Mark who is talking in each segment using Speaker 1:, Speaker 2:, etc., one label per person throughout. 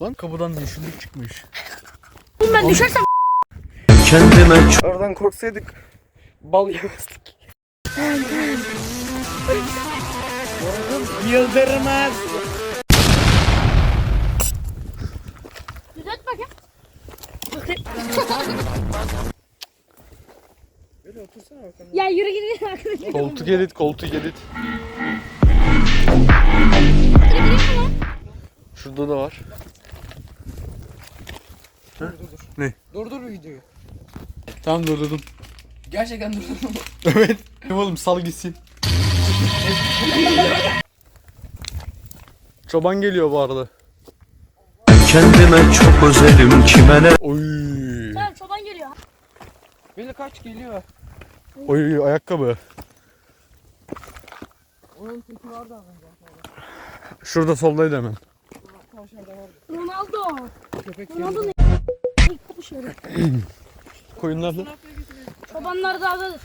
Speaker 1: Lan kapıdan yeşillik çıkmış.
Speaker 2: Ben düşersem
Speaker 1: Kendime oradan korksaydık bal yemezdik. Yıldırmaz.
Speaker 2: düzelt bakayım.
Speaker 3: Böyle otursana bakalım.
Speaker 2: Ya yürü gidin arkadaşlar.
Speaker 1: Koltuk edit, koltuk edit. Şurada da var.
Speaker 3: Dur.
Speaker 1: Ne?
Speaker 3: Durdur bir videoyu.
Speaker 1: Tamam durdurdum.
Speaker 3: Gerçekten durdurdum.
Speaker 1: Evet. Oğlum sal gitsin. Çoban geliyor bu arada.
Speaker 4: Kendime çok özelim kime ne?
Speaker 1: Oy.
Speaker 2: Tamam çoban geliyor.
Speaker 3: Böyle kaç geliyor.
Speaker 1: Oy ayakkabı.
Speaker 3: Onun teki vardı az önce.
Speaker 1: Şurada soldaydı hemen.
Speaker 3: Aşağıda vardı.
Speaker 2: Ronaldo.
Speaker 3: Köpek
Speaker 2: Ronaldo
Speaker 3: geliyor.
Speaker 2: ne? Kopmuş yere.
Speaker 1: Koyunlar da.
Speaker 2: Çobanlar dağdadır.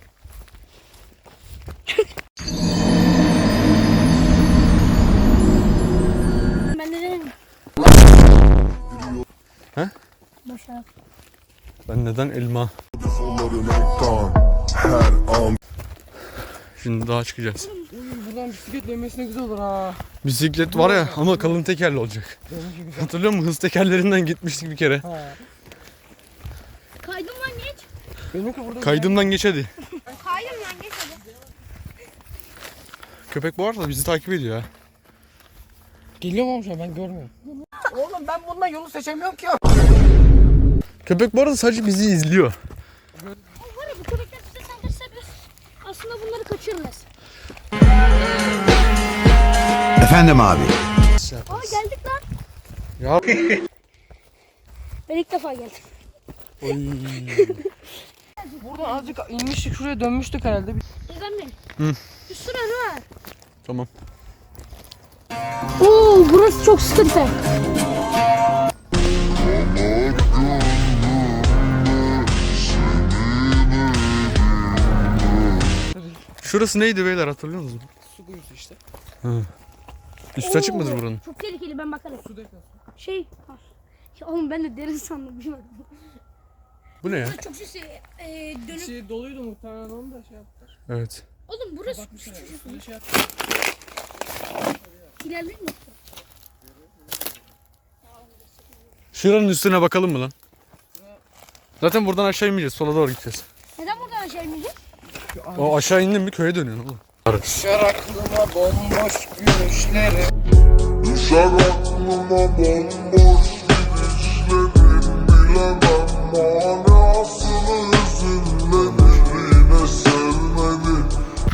Speaker 2: Ben de dedim.
Speaker 1: He?
Speaker 2: Başa.
Speaker 1: Ben neden elma? Şimdi daha çıkacağız.
Speaker 3: Buradan bisiklet dönmesine güzel olur ha.
Speaker 1: Bisiklet var ya ama kalın tekerli olacak.
Speaker 3: Benimki güzel.
Speaker 1: Hatırlıyor musun? Hız tekerlerinden gitmiştik bir kere.
Speaker 3: Ha.
Speaker 2: Kaydım lan geç.
Speaker 3: Benimki burada
Speaker 1: Kaydımdan geç hadi.
Speaker 2: Kaydım lan geç hadi.
Speaker 1: Köpek bu arada bizi takip ediyor ha.
Speaker 3: Geliyor mu şu an ben görmüyorum. Oğlum ben bundan yolu seçemiyorum ki.
Speaker 1: Köpek bu arada sadece bizi izliyor.
Speaker 2: Var ya bu köpekler bize saldırsa biz aslında bunları kaçırırız.
Speaker 4: Efendim abi.
Speaker 2: Aa geldik lan.
Speaker 1: Ya.
Speaker 2: Ben ilk defa geldim.
Speaker 1: Oy.
Speaker 3: Buradan azıcık inmiştik şuraya dönmüştük herhalde.
Speaker 2: Neden mi?
Speaker 1: Hı.
Speaker 2: Bir sürü arı var.
Speaker 1: Tamam.
Speaker 2: Oo burası çok sıkıntı.
Speaker 1: Şurası neydi beyler hatırlıyor musunuz?
Speaker 3: Su kuyusu işte.
Speaker 1: Üstü açık mıdır
Speaker 2: Oo,
Speaker 1: buranın?
Speaker 2: Çok tehlikeli ben bakarım.
Speaker 3: Su deposu.
Speaker 2: Şey. Ya oğlum ben de derin sandım. Bir bak.
Speaker 1: Bu ne ya?
Speaker 2: Çok şey dönüp.
Speaker 3: Şey doluydu muhtemelen onu da şey yaptılar.
Speaker 1: Evet.
Speaker 2: Oğlum burası
Speaker 3: Bakmışlar üstüne şey yaptılar.
Speaker 2: ilerleyin mi?
Speaker 1: Şuranın üstüne bakalım mı lan? Zaten buradan aşağı inmeyeceğiz. Sola doğru gideceğiz.
Speaker 2: Neden buradan aşağı inmeyecek?
Speaker 1: O aşağı indin mi köye dönüyorsun oğlum.
Speaker 3: Düşer aklıma bomboş gülüşleri.
Speaker 5: Düşer aklıma bomboş gidişlerin bilemem manasını hüzünlenir yine sevmedi.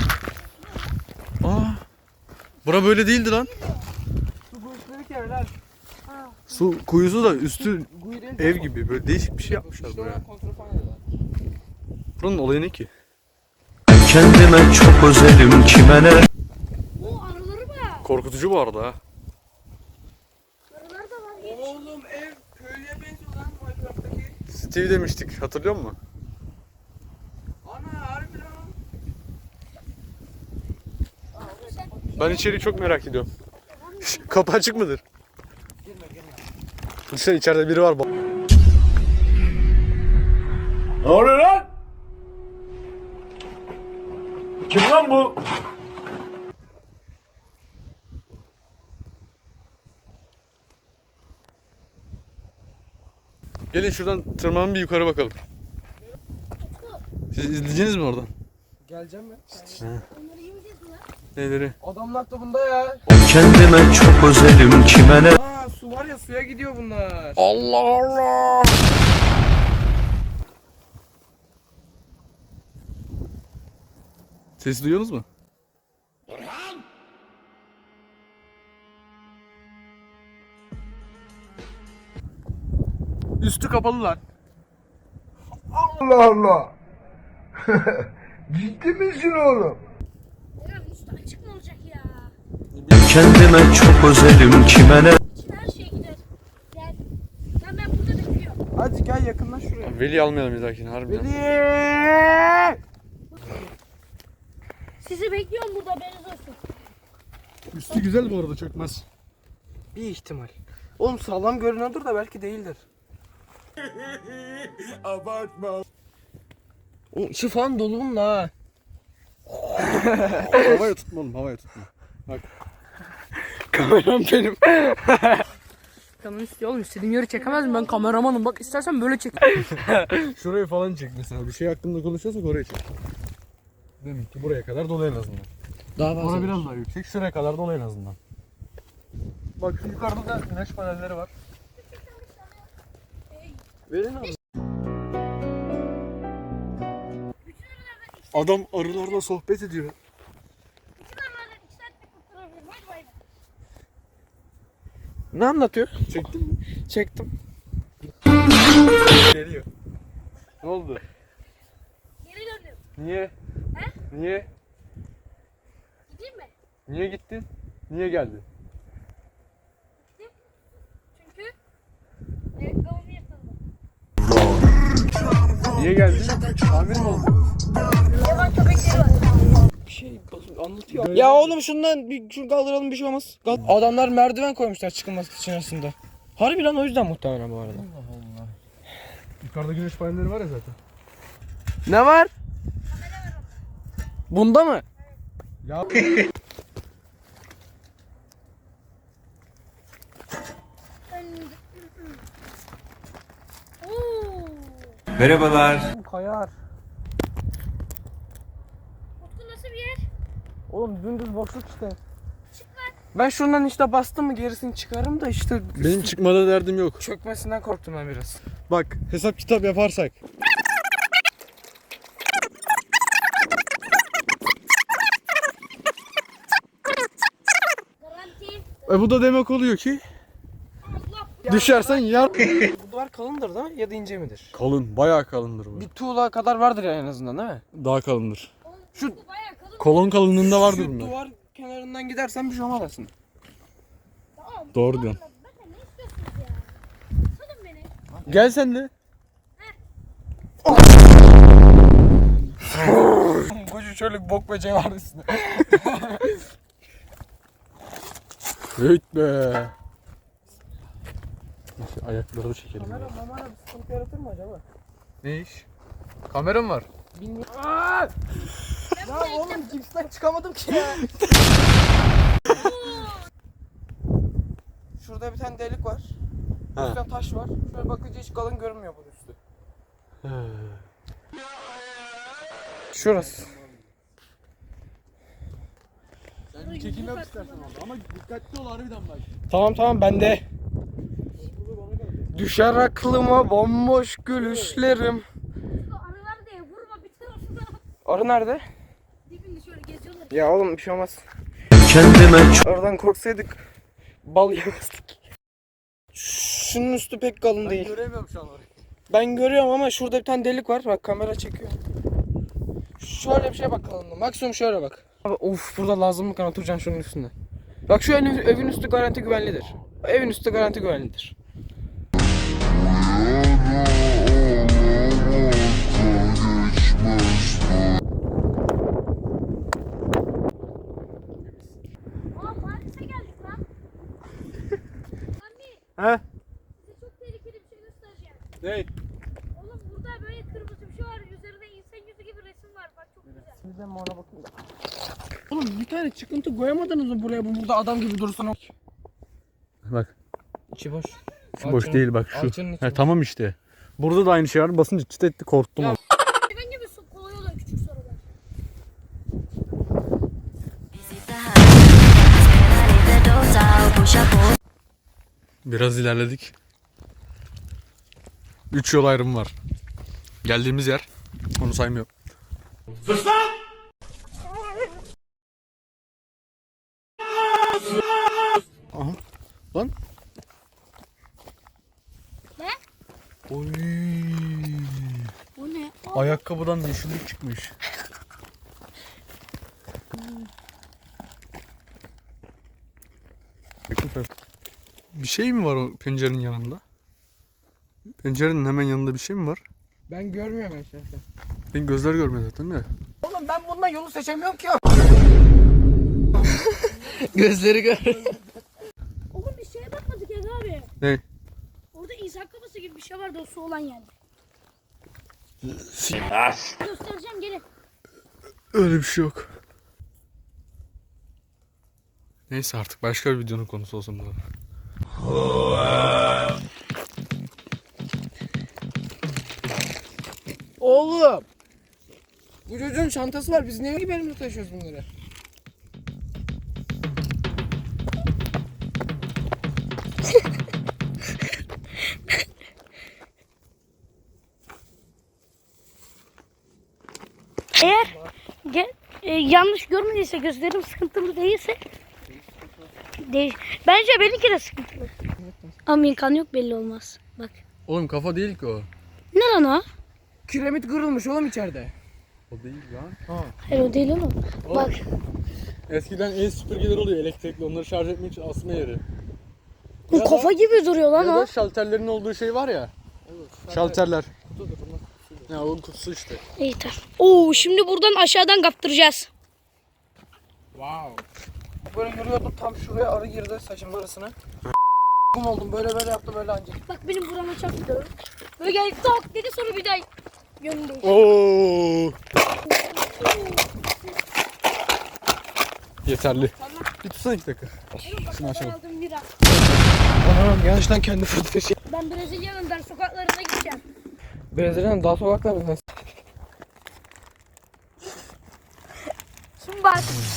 Speaker 1: Aa. Bura böyle değildi lan.
Speaker 3: Su kuyusu ki evler.
Speaker 1: Su kuyusu da üstü
Speaker 3: Kuyu değil.
Speaker 1: ev gibi. Böyle değişik bir şey yapmışlar
Speaker 3: İşte
Speaker 1: buraya.
Speaker 3: oraya kontrol ediyorlar.
Speaker 1: Buranın olayı ne ki?
Speaker 4: Kendime çok özelim kime ne?
Speaker 2: O arıları var.
Speaker 1: Korkutucu bu arada ha.
Speaker 2: Arılar da var.
Speaker 3: Oğlum ev köylüye benziyor lan Minecraft'taki.
Speaker 1: Steve demiştik hatırlıyor musun?
Speaker 3: Ana harbi lan.
Speaker 1: Ben içeriği çok merak ediyorum. Kapı açık mıdır? Girme. İçeride biri var.
Speaker 5: Ne oluyor lan? Kim lan bu?
Speaker 1: Gelin şuradan tırmanın bir yukarı bakalım. Siz izleyeceksiniz mi oradan?
Speaker 3: Geleceğim mi?
Speaker 2: Onları yemeyeceğiz mi lan?
Speaker 1: Neleri?
Speaker 3: Adamlar da bunda ya.
Speaker 4: Kendime çok özelim kime ne?
Speaker 3: Aa su var ya suya gidiyor bunlar.
Speaker 1: Allah Allah! Ses duyuyorsunuz mu? Üstü kapalı lan.
Speaker 5: Allah Allah. Ciddi misin oğlum?
Speaker 2: Ya üstü açık mı olacak ya?
Speaker 4: Kendime çok özelim kime ne?
Speaker 2: İçine her şey gider. Gel. Lan ben burada bekliyorum.
Speaker 3: Hadi gel yakından şuraya.
Speaker 1: Veli almayalım bir dahakine harbiden.
Speaker 3: Veli!
Speaker 2: Sizi bekliyorum burada haberiniz olsun.
Speaker 1: Üstü güzel bu arada çökmez.
Speaker 3: Bir ihtimal. Oğlum sağlam görünüyordur da belki değildir.
Speaker 5: Abartma.
Speaker 3: Oğlum içi falan dolu bunun ha.
Speaker 1: Havaya tutma oğlum, havaya tutma.
Speaker 3: Kameram benim. Kanın istiyor oğlum, istediğim yeri çekemez mi? Ben kameramanım, bak istersen böyle çek.
Speaker 1: Şurayı falan çek mesela. Bir şey hakkında konuşuyorsak oraya çek. Demek ki buraya kadar dolu en azından.
Speaker 3: Daha fazla.
Speaker 1: Orada biraz daha yüksek. Şuraya kadar dolu en azından. Bak şu yukarıda da güneş panelleri var.
Speaker 3: Verin abi.
Speaker 1: Adam arılarla sohbet ediyor.
Speaker 2: Bütün arılardan 2 saatlik kurtarabilirim. Hadi bay bay.
Speaker 3: Ne anlatıyor?
Speaker 1: Çektin mi?
Speaker 3: Çektim.
Speaker 1: Geliyor. Ne oldu?
Speaker 2: Geri döndüm.
Speaker 1: Niye?
Speaker 2: He?
Speaker 1: Niye?
Speaker 2: Gideyim mi?
Speaker 1: Niye gittin? Niye geldin?
Speaker 2: Çünkü ayakkabımı yırtıldı.
Speaker 1: Niye geldin? Tamir mi oldu?
Speaker 2: Yaban köpekleri var.
Speaker 3: Bir şey anlatıyor. Ya oğlum şundan şunu kaldıralım, bir şey olmaz. Adamlar merdiven koymuşlar çıkılması için aslında. Harbi lan, o yüzden muhtemelen bu arada.
Speaker 1: Yukarıda güneş panelleri var ya zaten.
Speaker 3: Ne var? Bunda mı?
Speaker 1: Ya
Speaker 2: Oo.
Speaker 4: Merhabalar.
Speaker 3: Kayar.
Speaker 2: Utku nasıl bir yer?
Speaker 3: Oğlum dümdüz boşluk işte. Ben şundan işte bastım mı gerisini çıkarım da işte
Speaker 1: benim çıkmada derdim yok.
Speaker 3: çökmesinden korktum ben biraz.
Speaker 1: Bak hesap kitap yaparsak.
Speaker 2: Garanti.
Speaker 1: Bu da demek oluyor ki
Speaker 2: Allah.
Speaker 1: düşersen yar.
Speaker 3: Bu duvar kalındır da ya da ince midir?
Speaker 1: Kalın, bayağı kalındır bu.
Speaker 3: Bir tuğla kadar vardır ya en azından, değil mi?
Speaker 1: Daha kalındır.
Speaker 3: Şu-
Speaker 2: Utku bayağı kalın.
Speaker 1: Kolon kalınlığında vardır
Speaker 3: Şu
Speaker 1: bunlar.
Speaker 3: duvar kenarından gidersen bir şey olmaz aslında.
Speaker 2: Tamam.
Speaker 1: Doğru diyorsun.
Speaker 2: Benden ne istiyorsunuz ya? Salın beni.
Speaker 1: Gel sen de.
Speaker 3: Koca şöyle bir bok böceği var üstünde.
Speaker 1: Evet be. Neyse, ayakları da çekelim. ya.
Speaker 3: Mamara bir sıkıntı yaratır mı acaba?
Speaker 1: Ne iş? Kameram var.
Speaker 3: Bilmiyorum. Ya oğlum cipsten çıkamadım ki ya. Şurada bir tane delik var.
Speaker 1: Ha.
Speaker 3: Üstten taş var. Şöyle bakınca hiç kalın görünmüyor bunun üstü. Şurası.
Speaker 1: Sen çekim yap istersen orada ama dikkatli ol harbiden bak.
Speaker 3: Tamam ben de. Düşer aklıma bomboş gülüşlerim.
Speaker 2: Utku arılar diye vurma bir tarafına.
Speaker 3: Arı nerede?
Speaker 2: Dibinde şöyle geziyorlar.
Speaker 3: Ya oğlum bir şey olmaz.
Speaker 4: Kendime çok
Speaker 3: Aradan korksaydık bal yemezdik. Şunun üstü pek kalın değil.
Speaker 1: Göremiyorum şu an orayı.
Speaker 3: Ben görüyorum ama şurada bir tane delik var. Bak kamera çekiyor. Şöyle bir şey bak kalınlığı. Maksimum şöyle bak. Abi, of burada lazımlık kan oturacaksın şunun üstünde. Bak şu evin üstü garanti güvenlidir. Evin üstü garanti güvenlidir.
Speaker 2: Aa Paris'e geldik lan. Anne
Speaker 1: He?
Speaker 2: size çok tehlikeli bir şey göstereceğim.
Speaker 1: Ne?
Speaker 2: Oğlum burada böyle kırmızı bir şey var. Üzerinde insan yüzü gibi resim var. Bak çok güzel.
Speaker 3: Sizden mi ona bakayım da. Oğlum bir tane çıkıntı koyamadınız mı buraya? Bu burada adam gibi dursun.
Speaker 1: Bak.
Speaker 3: İçi boş.
Speaker 1: Şu boş değil bak şu.
Speaker 3: Alçının içi
Speaker 1: He,
Speaker 3: boş.
Speaker 1: tamam işte. Burada da aynı şey var. Basınca çıt etti korktum.
Speaker 3: Ya.
Speaker 1: ama.
Speaker 2: Ben gibi kolay oluyor küçük sorular.
Speaker 1: Biraz ilerledik. 3 yol ayrımı var. Geldiğimiz yer. Onu saymıyorum.
Speaker 5: Sus lan!
Speaker 1: Aha. Lan.
Speaker 2: Ne?
Speaker 1: Oy.
Speaker 2: Bu ne?
Speaker 1: Ayakkabıdan yeşillik çıkmış. Bir şey mi var o pencerenin yanında? Pencerenin hemen yanında bir şey mi var?
Speaker 3: Ben görmüyorum eşreften.
Speaker 1: Benim gözler görmüyor zaten de.
Speaker 3: Oğlum ben bundan yolu seçemiyorum ki. Gözleri gör.
Speaker 2: Oğlum bir şeye bakmadık ya abi.
Speaker 1: Ne?
Speaker 2: Orada insan kafası gibi bir şey vardı o su olan yerde. Göstereceğim gelin.
Speaker 1: Öyle bir şey yok. Neyse artık başka bir videonun konusu olsun bu.
Speaker 3: Oğlum. Bu çocuğun çantası var. Biz niye gibi elimizde taşıyoruz bunları?
Speaker 2: Eğer yanlış görmediyse gözlerim sıkıntılı değilse bence benimki de sıkıntılı. Ama imkan yok belli olmaz. Bak.
Speaker 1: Oğlum kafa değil ki o.
Speaker 2: Ne lan o?
Speaker 3: Kiremit kırılmış oğlum içeride.
Speaker 1: O değil lan.
Speaker 2: Hayır o değil oğlum. Bak.
Speaker 1: Eskiden el süpürgeler oluyor elektrikli. Onları şarj etmek için asma yeri.
Speaker 2: Bu kafa gibi duruyor lan
Speaker 1: Ya
Speaker 2: o.
Speaker 1: da şalterlerin olduğu şey var ya. Şalterler. Ya o kutusu işte.
Speaker 2: İyi tamam. Oo şimdi buradan aşağıdan kaptıracağız.
Speaker 3: Wow. Böyle yürüyordum tam şuraya arı girdi saçımın arasına. Kum oldum böyle yaptı böyle ancak.
Speaker 2: Bak benim burama çarptı. Böyle geldi tok dedi sonra bir daha yönünü değişti.
Speaker 1: Oo. Yeterli. Bir tutsana 2 dakika. Şunu açalım.
Speaker 2: Aldım bira.
Speaker 3: Anam yanlıştan kendi fırtına.
Speaker 2: Ben Brezilya'nın dar sokaklarına gideceğim.
Speaker 3: Brezilya'nın dağ sokaklarında.
Speaker 2: Şimdi bak.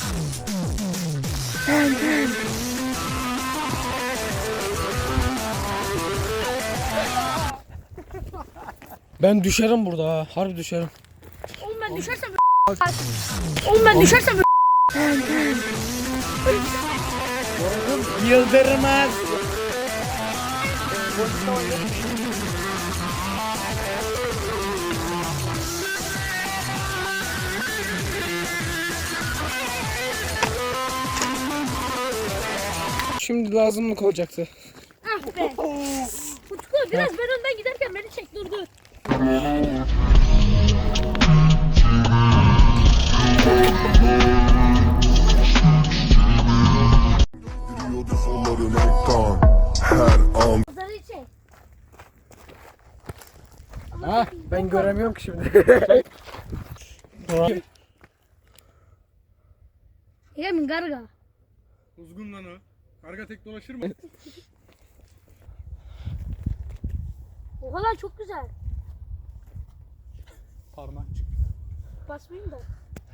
Speaker 3: Ben düşerim burada ha. Harbi düşerim.
Speaker 2: Oğlum ben düşersem Oğlum ben düşersem
Speaker 3: Yıldırmaz. Şimdi lazımlık olacaktı.
Speaker 2: ah be. Utku biraz ben önden giderken beni çek dur dur.
Speaker 5: Yürüyordu solların ekran. Her an
Speaker 2: Zarı çek.
Speaker 3: Ha, ben göremiyorum ki şimdi.
Speaker 2: Yemin garga.
Speaker 1: Uzgun lan o. Karga tek dolaşır mı?
Speaker 2: O kadar çok güzel.
Speaker 1: Parmak çık.
Speaker 2: Basmayayım da.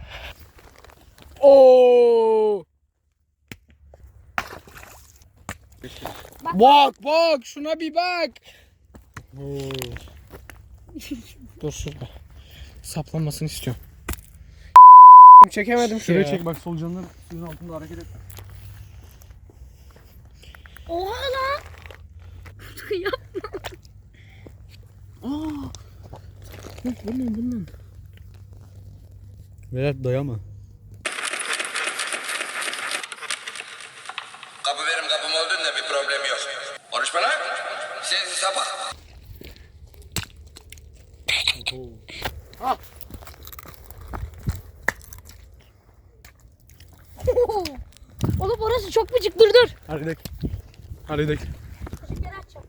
Speaker 3: Oo! Bak şuna bir bak. Dur şurada. Saplanmasını istiyorum. Çekemedim
Speaker 1: Şuraya
Speaker 3: şuraya.
Speaker 1: çek bak solucanlar suyun altında hareket et.
Speaker 2: Oha lan. Utku yapma.
Speaker 3: Bundan.
Speaker 1: Vedat dayama.
Speaker 6: Kapı benim kapım olduğunda bir problem yok. Konuşma lan. Sensiz sapık.
Speaker 2: Oğlum orası çok mıcık dur dur.
Speaker 1: Hadi gidelim. Hadi gidelim.
Speaker 2: Geri açacağım.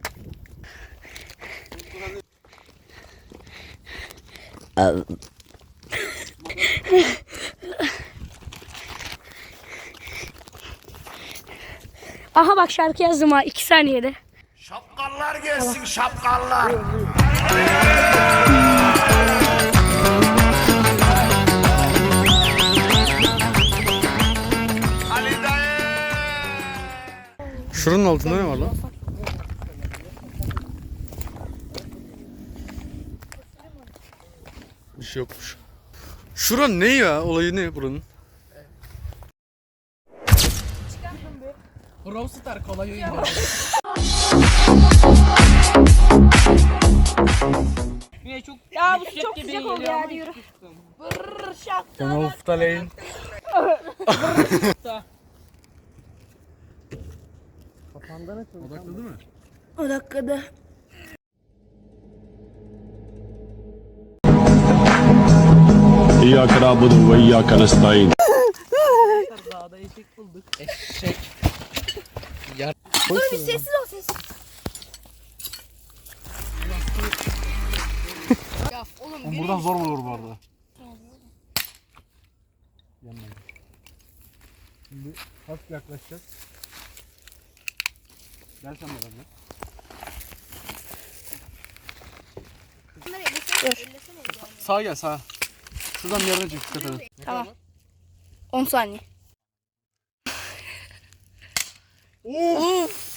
Speaker 2: Aha bak şarkı yazdım ha 2 saniyede.
Speaker 5: şapkallar gelsin şapkallar. Ali dayı.
Speaker 1: Şuranın altında ne var lan? Bir şey yokmuş. Şuran ne ya? Olayı ne buranın?
Speaker 3: Brawl Star kolay oyun.
Speaker 2: Ya bu çok sıcak oldu ya hadi yürü. Brrr şap.
Speaker 1: Kanal Staleyn. Odakladı mı?
Speaker 2: O dakikada.
Speaker 7: İyyâke na'budu ve iyyâke nestaîn.
Speaker 3: Eşek.
Speaker 2: Dur bir sessiz ol sessiz.
Speaker 1: Oğlum buradan zor olur bu arada. Yanına. Şimdi hafif yaklaşacağız. Gel sen de benimle.
Speaker 2: Bunları ellesene.
Speaker 1: Sağa gel sağa. Şuradan bir yerden çek dikkat edin.
Speaker 2: Tamam. 10 saniye.
Speaker 1: Of!